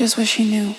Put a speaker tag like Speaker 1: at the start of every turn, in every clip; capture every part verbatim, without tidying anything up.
Speaker 1: just wish he knew.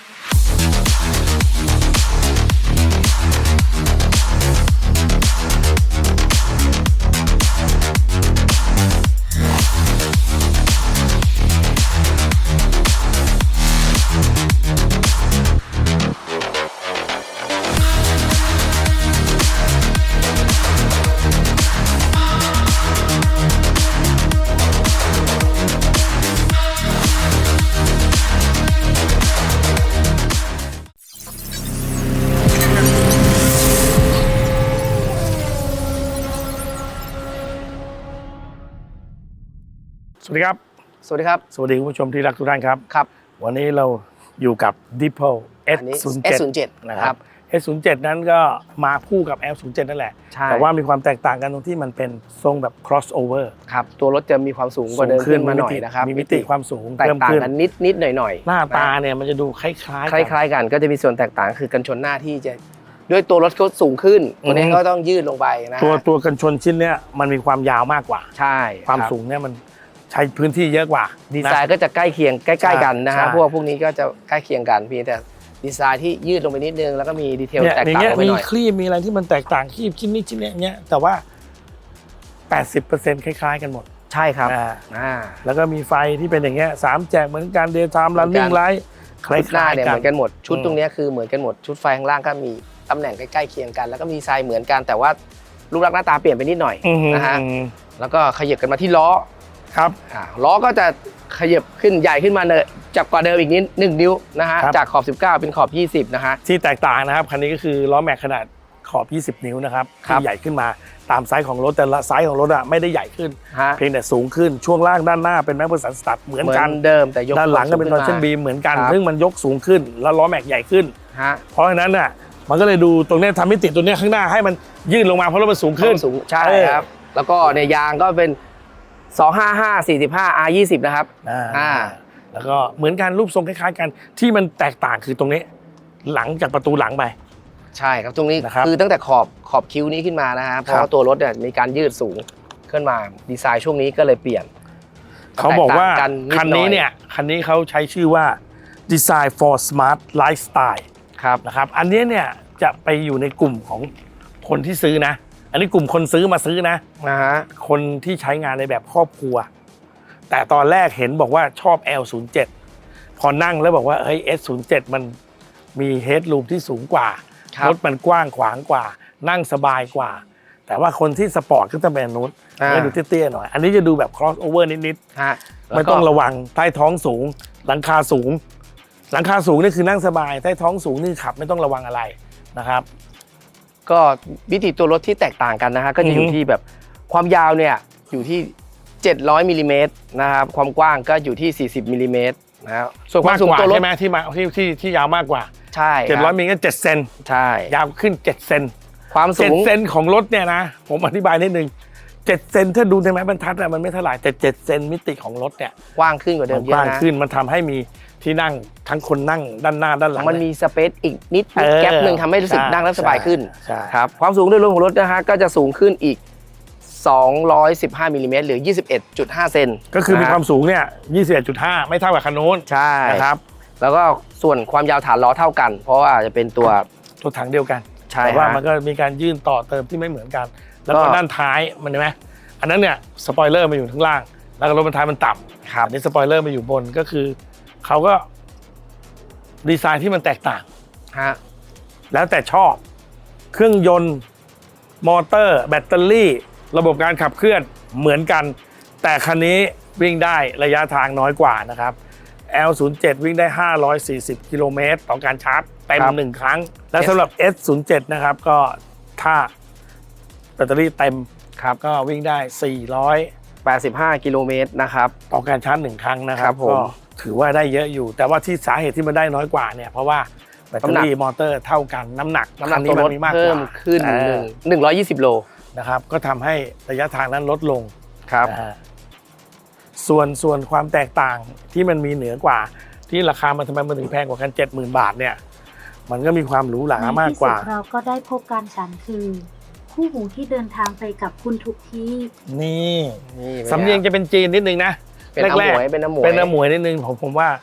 Speaker 2: สวัสดีครับ
Speaker 3: สวัสดีครับ
Speaker 2: สวัสดีคุณผู้ชมที่รักทุกท่านครับ
Speaker 3: ครับ
Speaker 2: วันนี้เราอยู่กับ Diplo เอส ศูนย์ เจ็ด
Speaker 3: เอส ศูนย์ เจ็ด
Speaker 2: นะครับ เอส ศูนย์ เจ็ด นั้นก็มาคู่กับ แอล ศูนย์ เจ็ด นั่นแหละแต่ว่ามีความแตกต่างกันตรงที่มันเป็นทรงแบบ crossover
Speaker 3: ครับตัวรถจะมีความสูงกว่าเดิมขึ้นมาหน่อยนะครับ
Speaker 2: มีมิติความสูง
Speaker 3: แตกต่างกันนิดนิดหน่อยหน่อย
Speaker 2: หน้าตาเนี่ยมันจะดูคล้ายๆ
Speaker 3: คล้ายๆกันก็จะมีส่วนแตกต่างคือกันชนหน้าที่จะด้วยตัวรถเขาสูงขึ้นตัวนี้ก็ต้องยืดลงไปนะ
Speaker 2: ตัวตัวกันชนชิ้นเนี้ยมันมีความยาวมากกว่า
Speaker 3: ใช่
Speaker 2: ความสูงเนี่ยมันใช้พื้นที่เยอะกว่า
Speaker 3: ดีไซน์ก็จะใกล้เคียงใกล้ๆกันนะฮะพวกพวกนี้ก็จะใกล้เคียงกันเพียงแต่ดีไซน์ที่ยืดลงไปนิดนึงแล้วก็มีดีเทลแตกต่างไปหน่อย
Speaker 2: มีครีบมีอะไรที่มันแตกต่างครีบชิ้นนี้ชิ้นนี้เนี้ยแต่ว่า แปดสิบเปอร์เซ็นต์ คล้ายๆกันหมด
Speaker 3: ใช่ครับ
Speaker 2: อ่าแล้วก็มีไฟที่เป็นอย่างเงี้ยสามแจกเหมือนกันเดย์ไทม์รันนิ่งไลท์คล้ายๆกัน
Speaker 3: เหมือนกันหมดชุดตรงนี้คือเหมือนกันหมดชุดไฟข้างล่างก็มีตำแหน่งใกล้ๆเคียงกันแล้วก็มีดีไซน์เหมือนกันแต่ว่ารูปลักษณ์หน้าตาเปลี่ยนไปนิดหน่อยนะฮะแล้วก็ขยับกันมาที่ล้อ
Speaker 2: ครับ
Speaker 3: ล้อก็จะขยับขึ้นใหญ่ขึ้นมาเนอะจากกว่าเดิมอีกนิดหนึ่งนิ้วนะฮะจากขอบสิบเก้าเป็นขอบยี่สิบนะฮะ
Speaker 2: ที่แตกต่างนะครับคันนี้ก็คือล้อแม็กขนาดขอบยี่สิบนิ้วนะครับที่ใหญ่ขึ้นมาตามไซส์ของรถแต่ละไซส์ของรถอะไม่ได้ใหญ่ขึ้นเพียงแต่สูงขึ้นช่วงล่างด้านหน้าเป็นแม็กเบอร์สันสตัดเหมือนกัน
Speaker 3: เดิมแต่ยก
Speaker 2: ด้านหลังก็เป็นทอร์ชั่นบีเหมือนกันซึ่งมันยกสูงขึ้นแล้วล้อแม็กใหญ่ขึ้นเพราะฉะนั้นน่ะมันก็เลยดูตรงนี้ทำให้ติดตัวนี้ข้างหน้าให้มันยื่นลงมาเพราะรถมันสูงขึ้น
Speaker 3: สูงใช่ครับแล้วก็ในยางก็เป็นสองห้าห้า สี่สิบห้า อาร์ ยี่สิบ นะครับ
Speaker 2: อ่าแล้วก็เหมือนกันรูปทรงคล้ายๆกันที่มันแตกต่างคือตรงนี้หลังจากประตูหลังไป
Speaker 3: ใช่ครับตรงนี้คือตั้งแต่ขอบขอบคิ้วนี้ขึ้นมานะฮะเพราะว่าตัวรถเนี่ยมีการยืดสูงขึ้นมาดีไซน์ช่วงนี้ก็เลยเปลี่ยน
Speaker 2: เขาบอกว่าคันนี้เนี่ยคันนี้เขาใช้ชื่อว่า Design for Smart Lifestyle
Speaker 3: ครับ
Speaker 2: นะครับอันนี้เนี่ยจะไปอยู่ในกลุ่มของคนที่ซื้อนะอันนี้กลุ่มคนซื้อมาซื้อนะ
Speaker 3: นะฮะ
Speaker 2: คนที่ใช้งานในแบบครอบครัวแต่ตอนแรกเห็นบอกว่าชอบ แอล ศูนย์ เจ็ด พอนั่งแล้วบอกว่าเฮ้ย เอส ศูนย์ เจ็ด มันมีเฮดรูมที่สูงกว่ารถมันกว้างขวางกว่านั่งสบายกว่าแต่ว่าคนที่สปอร์ตก็จะเป็นนู้นไม่ดูเตี้ยๆหน่อยอันนี้จะดูแบบ cross over นิดๆไม่ต้องระวังใต้ท้องสูงหลังคาสูงหลังคาสูงนี่คือนั่งสบายใต้ท้องสูงนี่ขับไม่ต้องระวังอะไรนะครับ
Speaker 3: ก็วิธีตัวรถที่แตกต่างกันนะฮะก็จะอยู่ที่แบบความยาวเนี่ยอยู่ที่เจ็ดร้อยมิลลิเมตรนะครับความกว้างก็อยู่ที่สี่สิบมิลลิเมตรนะครับส่วนความสูงตัวรถ
Speaker 2: ใช่ไหมที่มาที่ที่ที่ยาวมากกว่า
Speaker 3: ใช่
Speaker 2: เจ็ดร้อยมิลลิเมตรก็เจ็ดเซน
Speaker 3: ใช่
Speaker 2: ยาวขึ้นเจ็ดเซน
Speaker 3: ความสูง
Speaker 2: เจ็ดเซนของรถเนี่ยนะผมอธิบายนิดนึงเจ็ดเซนถ้าดูในไม้บรรทัดอะมันไม่เท่าไหร่แต่เจ็ดเซนมิติของรถเนี่ย
Speaker 3: กว้างขึ้นกว่าเดิมเยอะนะ
Speaker 2: กว้างขึ้นมันทำให้มีที่นั่งทั้งคนนั่งด้านหน้าด้านหลัง
Speaker 3: มันมีสเปซอีกนิดแก๊ปหนึ่งทำให้รู้สึกนั่งแล้วสบายขึ้นครับความสูงโดยรวมของรถนะฮะก็จะสูงขึ้นอีกสองร้อยสิบห้ามิลลิเมตรหรือ ยี่สิบเอ็ดจุดห้า เซน
Speaker 2: ก็คือมีความสูงเนี่ย ยี่สิบเอ็ดจุดห้า ไม่เท่ากับคันโน้น
Speaker 3: ใช่
Speaker 2: นะครับ
Speaker 3: แล้วก็ส่วนความยาวฐานล้อเท่ากันเพราะว่าจะเป็นตัว
Speaker 2: ตัวถังเดียวกัน
Speaker 3: แต่
Speaker 2: ว่ามันก็มีการยื่นต่อเติมที่ไม่เหมือนกันแล้วก็ด้านท้ายมันเห็นไหมอันนั้นเนี่ยสปอยเลอร์มาอยู่ข้างล่างแล้วก็รถบรรทุกมันต่ำอันนี้สปอยเลอร์มาอยู่บนก็คือเขาก็ดีไซน์ที่มันแตกต่าง
Speaker 3: ฮะ
Speaker 2: แล้วแต่ชอบเครื่องยนต์มอเตอร์แบตเตอรี่ระบบการขับเคลื่อนเหมือนกันแต่คันนี้วิ่งได้ระยะทางน้อยกว่านะครับ แอล ศูนย์ เจ็ด วิ่งได้ห้าร้อยสี่สิบกิโลเมตรต่อการชาร์จเต็มหนึ่งครั้งและสำหรับ เอส ศูนย์ เจ็ด นะครับก็ถ้าแบตเตอรี่เต็มครับก็วิ่งได้สี่ร้อย
Speaker 3: แปดสิบห้ากิโลเมตรนะครับ
Speaker 2: ต่อการชาร์จหนึ่งครั้งนะครับก็ถือว่าได้เยอะอยู่แต่ว่าที่สาเหตุที่มันได้น้อยกว่าเนี่ยเพราะว่าแบตเตอรี่มอเตอร์เท่ากันน้ำหนัก
Speaker 3: น้ำหนักตัวรถเพิ่มขึ้นหนึ่งร้อยยี่สิบโล
Speaker 2: นะครับก็ทำให้ระยะทางนั้นลดลง
Speaker 3: ครับ
Speaker 2: ส่วนส่วนความแตกต่างที่มันมีเหนือกว่าที่ราคามันทำไมมันถึงแพงกว่ากัน เจ็ดหมื่น บาทเนี่ยมันก็มีความหรูหรามากกว่า
Speaker 4: เราก็ได้พบกันฉันคือคู่หูที่เดินทางไปกับคุณทุกที่
Speaker 2: นี่สำเนียงจะเป็นจีนนิดนึงนะ
Speaker 3: แรกๆเป็นน้ำหมวย
Speaker 2: เป็นน้ำหมวยนิดนึงผมผมว่า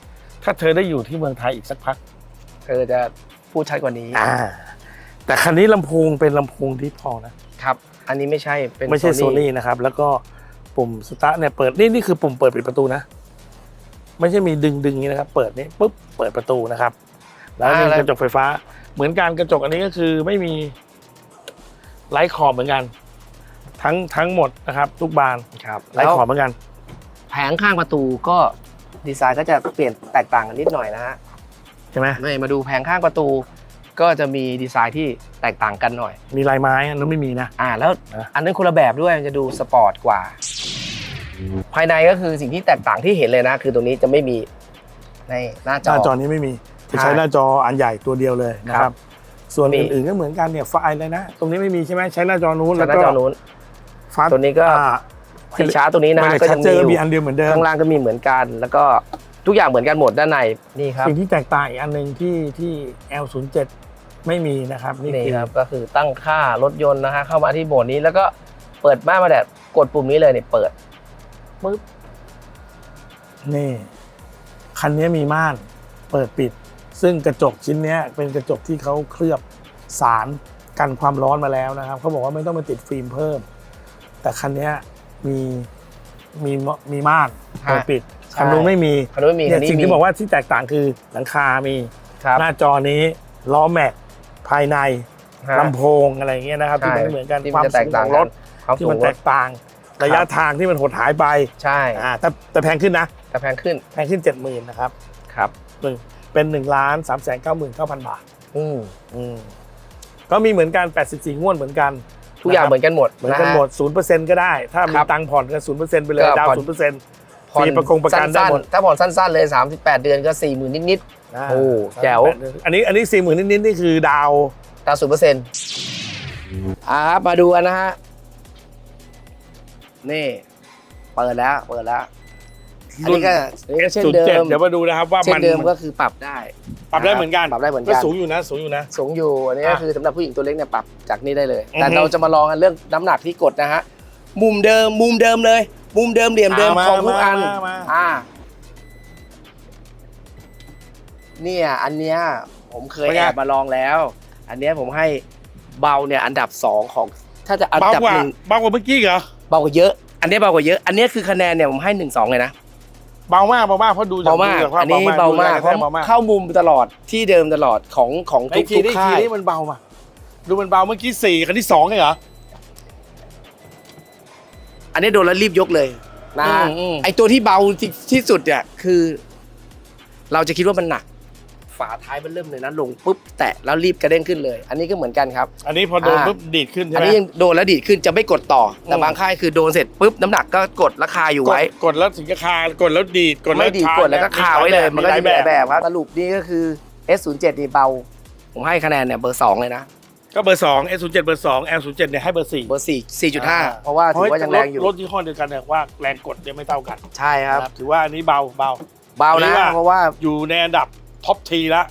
Speaker 2: ถ้าเธอได้อยู่ที่เมืองไทยอีกสักพัก
Speaker 3: เธอจะพูดชัดกว่านี้
Speaker 2: อ่าแต่คันนี้ลำโพงเป็นลำโพงดิพอนะครับ
Speaker 3: อันนี้ไม่ใช่เป็น
Speaker 2: ไม่ใช่โซนี่นะครับ แล้วก็ปุ่มสตาร์ทเนี่ยเปิดนี่นี่คือปุ่มเปิดปิดประตูนะไม่ใช่มีดึงดึงอย่างนี้นะครับเปิดนี่ปุ๊บเปิดประตูนะครับแล้วมีกระจกไฟฟ้าเหมือนกันกระจกอันนี้ก็คือไม่มีไลท์ขอบเหมือนกันทั้งทั้งหมดนะครับทุกบาน
Speaker 3: ครับ
Speaker 2: ไลท์ขอบเหมือนกัน
Speaker 3: แผงข้างประตูก็ดีไซน์ก็จะเปลี่ยนแตกต่างกันนิดหน่อยนะฮะ
Speaker 2: ใช่ไหม
Speaker 3: นี่มาดูแผงข้างประตู ก็จะมีดีไซน์ที่แตกต่างกันหน่อย
Speaker 2: มีลายไม้อันนั้นไม่มีนะ
Speaker 3: อ่าแล้ว
Speaker 2: นะ
Speaker 3: อันนั้นคนละแบบด้วยมันจะดูสปอร์ตกว่า ภายในก็คือสิ่งที่แตกต่างที่เห็นเลยนะ คือตรงนี้จะไม่มีในหน้าจ
Speaker 2: ห
Speaker 3: อ
Speaker 2: น้าจอนี้ไม่มีจะใช้หน้าจออันใหญ่ตัวเดียวเลยนะค
Speaker 3: ครั
Speaker 2: รับ
Speaker 3: บ
Speaker 2: ส่วน
Speaker 3: มี
Speaker 2: อื่นๆก็เหมือนกันเนี่ยไฟล์เลยนะ ตรงนี้ไม่มีใช่ไหมใช้หน้าจอนู้น
Speaker 3: ห
Speaker 2: แล้ว
Speaker 3: น้า
Speaker 2: ก็
Speaker 3: จอนู้น
Speaker 2: ฟ้า
Speaker 3: ตัวนี้ก็
Speaker 2: อ่า
Speaker 3: สีชาร์จตัวนี้นะ
Speaker 2: ไม่ได้
Speaker 3: ก็
Speaker 2: ชั
Speaker 3: ยั
Speaker 2: ด
Speaker 3: ง
Speaker 2: เจ
Speaker 3: มี
Speaker 2: อ
Speaker 3: อยู่
Speaker 2: มีอันเดียวเหมือนเดิม
Speaker 3: ข้างล่างก็มีเหมือนกัน แล้วก็ทุกอย่างเหมือนกันหมดด้านในนี่ครับ
Speaker 2: สิ่งที่แตกต่างอีกอันหนึ่งที่ที่ แอล ศูนย์ เจ็ด ไม่มีนะครับนี่
Speaker 3: นี่
Speaker 2: คือ
Speaker 3: ครับก็คือตั้งค่ารถยนต์นะฮะเข้ามาที่โหมดนี้แล้วก็เปิดม่านมาแดดกดปุ่มนี้เลยเนี่ยเปิดปึ๊บ
Speaker 2: นี่คันนี้มีม่านเปิดปิด ซึ่งกระจกชิ้นเนี้ยเป็นกระจกที่เขาเคลือบสารกันความร้อนมาแล้วนะครับเขาบอกว่าไม่ต้องมาติดฟิล์มเพิ่ม แต่คันนี้มีมีมีม่านเปิดปิดคันนู้นไม่มี
Speaker 3: คันนู้นไม่มี
Speaker 2: เนี่
Speaker 3: คั
Speaker 2: ย
Speaker 3: นนี้
Speaker 2: สิ่ง
Speaker 3: มี
Speaker 2: ที่บอกว่าที่แตกต่างคือหลังคามี
Speaker 3: ครับ
Speaker 2: หน้าจอนี้ล้อแม็กภายใน
Speaker 3: ฮะ
Speaker 2: ลำโพงอะไรอย่างเงี้ยนะครับที่มันไม่เหมือนกัน
Speaker 3: ที่
Speaker 2: ความ
Speaker 3: จะแต
Speaker 2: สู
Speaker 3: ก
Speaker 2: ง
Speaker 3: ต่า
Speaker 2: ข
Speaker 3: ง
Speaker 2: องรถ
Speaker 3: ความ
Speaker 2: ที่
Speaker 3: สู
Speaker 2: มั
Speaker 3: ง
Speaker 2: น
Speaker 3: ร
Speaker 2: แต
Speaker 3: ถ
Speaker 2: กต่าง ระยะทางที่มันหดหายไป
Speaker 3: ใช่
Speaker 2: อ่าแต่แต่แพงขึ้นนะ
Speaker 3: แต่แพงขึ้น
Speaker 2: แพงขึ้นเจ็ดหมื่นนะครับ
Speaker 3: ครับ
Speaker 2: หนึ่งเป็นหนึ่งล้านสามแสนเก้าหมื่นเก้าพันบาท
Speaker 3: อืม
Speaker 2: อืมก็มีเหมือนกันแปดสิบสี่งวดเหมือนกัน
Speaker 3: ทุกอย่างเหมือนกันหมด
Speaker 2: เหมือนกันหมดศูนย์เปอร์เซ็นต์ก็ได้ ถ้ามี
Speaker 3: ครับ
Speaker 2: ตังค์ผ่อนก็ศูนย์เปอร์เซ็นต์ไปเลย
Speaker 3: ก็
Speaker 2: ดาว
Speaker 3: ผ่อน
Speaker 2: ศูนย์เปอร์เซ็นต์
Speaker 3: ผ่อน
Speaker 2: มีประกงประกันได้
Speaker 3: สั้น
Speaker 2: หมด
Speaker 3: ๆถ้าผ่อนสั้นๆเลยสามสิบแปดเดือนก็สี่หมื่นนิด
Speaker 2: อ่า
Speaker 3: โอ้แจ๋ว
Speaker 2: อันนี้อันนี้สี่หมื่นนิดๆนี่คือดาว
Speaker 3: ๆตามศูนย์เปอร์เซ็นต์อ่าครับมาดูกันนะฮะนี่เปิดแล้วเปิดแล้วอันนี้ก็อันนี้ก็เช่น
Speaker 2: ศูน
Speaker 3: เดิ
Speaker 2: ย์เจ็ด
Speaker 3: ม
Speaker 2: เดี๋ยวมาดูนะครับว่า
Speaker 3: เช่
Speaker 2: มัน
Speaker 3: นเดิมก็คือปรับได้
Speaker 2: ปรับได้เหมือนกัน
Speaker 3: ปรับได้เหมือน
Speaker 2: ก็
Speaker 3: กัน
Speaker 2: สูงอยู่นะสูงอยู่นะ
Speaker 3: สูงอยู่อันนี้ก็
Speaker 2: อ่ะ
Speaker 3: คือสำหรับผู้หญิงตัวเล็กเนี่ยปรับจากนี่ได้เลย
Speaker 2: อือฮึ
Speaker 3: แต่เราจะมาลองกันเรื่องน้ำหนักที่กดนะฮะมุมเดิมมุมเดิมเลย มุมเดิมเหลี่ยมเดิม
Speaker 2: อ่ามา
Speaker 3: ของทุกอัน
Speaker 2: มามา
Speaker 3: อ่าเนี่ยอันเนี้ยผมเคย
Speaker 2: เป็นไง
Speaker 3: แอบมาลองแล้ว อันเนี้ยผมให้เบาเนี่ยอันดับสองของ ถ้าจะอัน
Speaker 2: เบา
Speaker 3: ดับ
Speaker 2: กว่า
Speaker 3: หนึ่ง
Speaker 2: เบากว่าเมื่อกี้เหรอ
Speaker 3: เบากว่าเยอะ อันเนี้ยเบากว่าเยอะ อันเนี้ยคือคะแนนเนี่ยผมให้หนึ่งสองเลยนะ
Speaker 2: เบามากเบามากเพราะดูจาก
Speaker 3: เบามาก
Speaker 2: ดูจภพ
Speaker 3: อันนี้เบามาก
Speaker 2: ดู
Speaker 3: เพราะ
Speaker 2: เบามาก
Speaker 3: เข้ามุมตลอดที่เดิมตลอดของของ
Speaker 2: ไอ้
Speaker 3: ทุก
Speaker 2: คี
Speaker 3: ทุก
Speaker 2: นี่
Speaker 3: ค่า
Speaker 2: คี
Speaker 3: ย
Speaker 2: นี่มันเบามาดูมันเบาเมื่อกี้สี่คันที่สองเหรอ
Speaker 3: อันนี้โดนแล้วรีบยกเลยนะฮะ
Speaker 2: อืมอืม
Speaker 3: ไอตัวที่เบาที่ที่สุดเนี่ยคือ เราจะคิดว่ามันหนัก ฝาท้ายมันเริ่มเลยนะลงปุ๊บแตะแล้วรีบกระเด้งขึ้นเลย อันนี้ก็เหมือนกันครับ
Speaker 2: อันนี้พอโดน
Speaker 3: อ่า
Speaker 2: ปุ๊บดีดขึ้นใช่
Speaker 3: อัน
Speaker 2: ไหม
Speaker 3: นี้ยังโดนแล้วดีดขึ้นจะไม่กดต่อ แต่
Speaker 2: อืม
Speaker 3: บางค่ายคือโดนเสร็จปุ๊บน้ำหนักก็กดราคาอยู่
Speaker 2: กด
Speaker 3: ไว้
Speaker 2: กดแล้วถึงจะคากดแล้วดีดกดแล้ว
Speaker 3: ไม่ดีด
Speaker 2: คาก
Speaker 3: ดแล้วก็คาไว้เลย มันก็จะมีหลาย
Speaker 2: แบบ
Speaker 3: แบบครับสรุปนี่ก็คือ เอส ศูนย์ เจ็ด นี่เบา ผมให้คะแนนเนี่ยเบอร์สองเลยนะ
Speaker 2: ก็เบอร์สอง เอส ศูนย์ เจ็ด เบอร์สอง แอล ศูนย์ เจ็ดเนี่ยให้เบอร์สี่
Speaker 3: เบอร์สี่ สี่จุดห้าเพราะว่าถือว่ายังแรงอยู่
Speaker 2: รถยี่ห้อเดียวกันเนี่ยว่าแรงกดเนี่ยไม่เท่ากัน
Speaker 3: ใช่ครับ
Speaker 2: นะครับถือว่าอันนี้เบาเบา
Speaker 3: เบา
Speaker 2: อันนี้
Speaker 3: นะ
Speaker 2: ว่า
Speaker 3: เพราะว่า
Speaker 2: อยู่ในอันดับท็อปทีแล้ว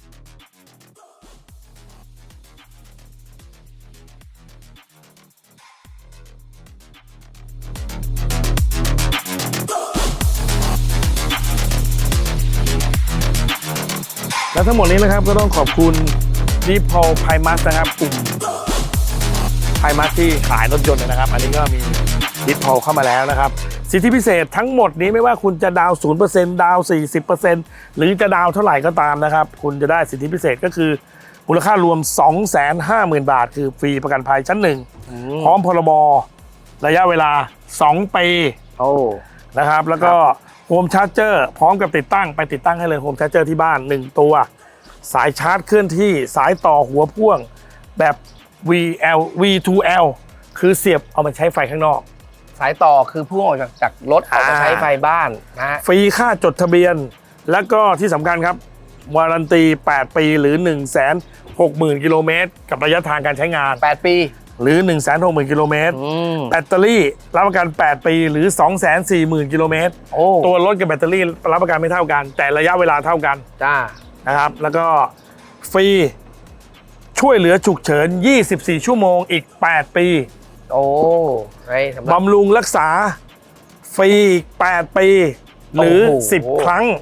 Speaker 2: และทั้งหมดนี้นะครับก็ต้องขอบคุณดีพอลไพมัสนะครับกลุ่มไพมัสที่ขายรถยนต์นะครับ อันนี้ก็มีดีพอลเข้ามาแล้วนะครับ สิทธิพิเศษทั้งหมดนี้ไม่ว่าคุณจะดาวน์ ศูนย์เปอร์เซ็นต์ ดาวน์ สี่สิบเปอร์เซ็นต์ หรือจะดาวน์เท่าไหร่ก็ตามนะครับ คุณจะได้สิทธิพิเศษก็คือมูลค่ารวม สองแสนห้าหมื่น บาท คือฟรีประกันภัยชั้นหนึ่งพร้อมพรบระยะเวลาสองปี
Speaker 3: โอ้
Speaker 2: นะครับแล้วก็โฮมชาร์จเจอร์พร้อมกับติดตั้งไปติดตั้งให้เลยโฮมชาร์จเจอร์ที่บ้านหนึ่งตัวสายชาร์จเคลื่อนที่สายต่อหัวพ่วงแบบ วี แอล วี ทู แอล คือเสียบเอามาใช้ไฟข้างนอก
Speaker 3: สายต่อคือพุ่งออกจากจากรถออกมา
Speaker 2: อ่า
Speaker 3: ใช้ไฟบ้านนะฮะ
Speaker 2: ฟรีค่าจดทะเบียน แล้วก็ที่สำคัญครับวารันตีแปดปีหรือ หนึ่งแสนหกหมื่น กิโลเมตรกับระยะทางการใช้งาน
Speaker 3: แปดปี
Speaker 2: หรือ หนึ่งแสนหกหมื่น กิโลเมตร
Speaker 3: อืม
Speaker 2: แบตเตอรี่รับประกัน แปด ปีหรือ สองแสนสี่หมื่น กิโลเมตร
Speaker 3: โอ้
Speaker 2: ตัวรถกับแบตเตอรี่รับประกันไม่เท่ากัน แต่ระยะเวลาเท่ากัน
Speaker 3: จ้า
Speaker 2: นะครับแล้วก็ฟรีช่วยเหลือฉุกเฉินยี่สิบสี่ชั่วโมงอีกแปดปี
Speaker 3: โอ้ไอ้สำหรับ
Speaker 2: บำรุงรักษาฟรีอีกแปดปีหรือ
Speaker 3: โอ้โห
Speaker 2: สิบครั้ง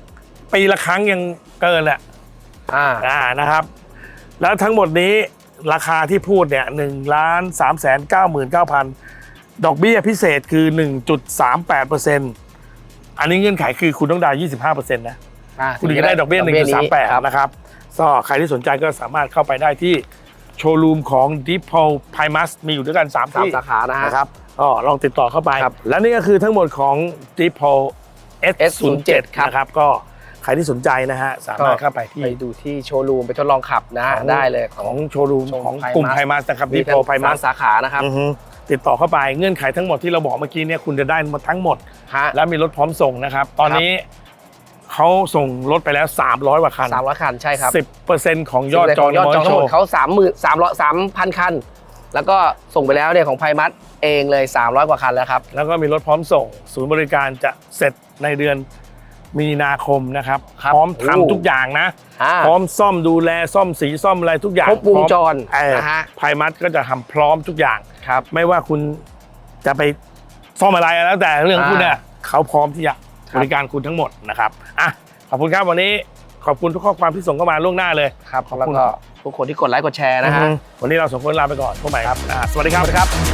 Speaker 2: ปีละครั้งยังเกินแหละ
Speaker 3: อ่า
Speaker 2: อ่านะครับ แล้วทั้งหมดนี้ราคาที่พูดเนี่ยหนึ่งล้านสามแสนเก้าหมื่นเก้าพันดอกเบี้ยพิเศษคือ หนึ่งจุดสามแปดเปอร์เซ็นต์ อันนี้เงื่อนไขคือคุณต้องดาวน์ยี่สิบห้าเปอร์เซ็นต์นะ
Speaker 3: อ่า
Speaker 2: คุณถึงจะได้ดอกเบี้ย หนึ่งจุดสามแปด
Speaker 3: ครับ
Speaker 2: นะครับก็ใครที่สนใจก็สามารถเข้าไปได้ที่โชว์รูมของ Deep Pole Primus มีอยู่ด้วยกันสาม
Speaker 3: สาม
Speaker 2: ที่
Speaker 3: สาขานะฮะ
Speaker 2: นะครับก็ลองติดต่อเข้าไป
Speaker 3: ครับ
Speaker 2: และนี่ก็คือทั้งหมดของ Deep Pole เอส ศูนย์ เจ็ด
Speaker 3: ครับ
Speaker 2: นะครับก็ใครที่สนใจนะฮะสามารถเข้าไปที่
Speaker 3: ไปดูที่โชว์รูมไปทดลองขับนะฮะ
Speaker 2: ของ
Speaker 3: ได้เลย
Speaker 2: ของโชว์รูม
Speaker 3: ของ
Speaker 2: ของ
Speaker 3: Primus
Speaker 2: กลุ่มไพมัสนะครับ
Speaker 3: มี
Speaker 2: Deep Pole
Speaker 3: สาม
Speaker 2: Primus
Speaker 3: สาขานะครับ
Speaker 2: อือฮึติดต่อเข้าไปเงื่อนไขทั้งหมดที่เราบอกเมื่อกี้เนี่ยคุณจะได้มาทั้งหมด
Speaker 3: ฮะ
Speaker 2: และมีรถพร้อมส่งนะครับ ตอนนี้เขาส่งรถไปแล้วสามร้อยกว่าคัน
Speaker 3: สามร้อยคันใช่ครับ
Speaker 2: สิบเปอร์เซ็นต์ของยอดจอง
Speaker 3: ยอดจองทั้งหมด
Speaker 2: ใน
Speaker 3: เขาสามหมื่นสามร้อยสามพันคัน แล้วก็ส่งไปแล้วเนี่ยของไพมัสเองเลยสามร้อยกว่าคันแล้วครับ
Speaker 2: แล้วก็มีรถพร้อมส่ง ศูนย์บริการจะเสร็จในเดือนมีนาคมนะครับ
Speaker 3: ครับ
Speaker 2: พร้อมทำ
Speaker 3: โอ้
Speaker 2: ทุกอย่างนะ
Speaker 3: อ่า
Speaker 2: พร้อมซ่อมดูแลซ่อมสีซ่อมอะไรทุกอย่าง
Speaker 3: ครบวงจร
Speaker 2: พอม
Speaker 3: นะฮะ
Speaker 2: ไพมัสก็จะทำพร้อมทุกอย่าง
Speaker 3: ครับ
Speaker 2: ไม่ว่าคุณจะไปซ่อมอะไรแล้วแต่เรื่องของคุณเนี่ย
Speaker 3: อ่า
Speaker 2: เขาพร้อมที่จะ
Speaker 3: ครับ
Speaker 2: บริการคุณทั้งหมดนะครับอ่ะขอบคุณครับวันนี้ขอบคุณทุกข้อความที่ส่งเข้ามาล่วงหน้าเลย
Speaker 3: ครับ
Speaker 2: ขอบ
Speaker 3: แล้ว
Speaker 2: คุณ
Speaker 3: ก็ทุกคนที่กดไลค์กดแชร์นะฮะ
Speaker 2: อือฮึวันนี้เราสองคนลาไปก่อนพบใหม่ครับอ่าสวัสดีครับ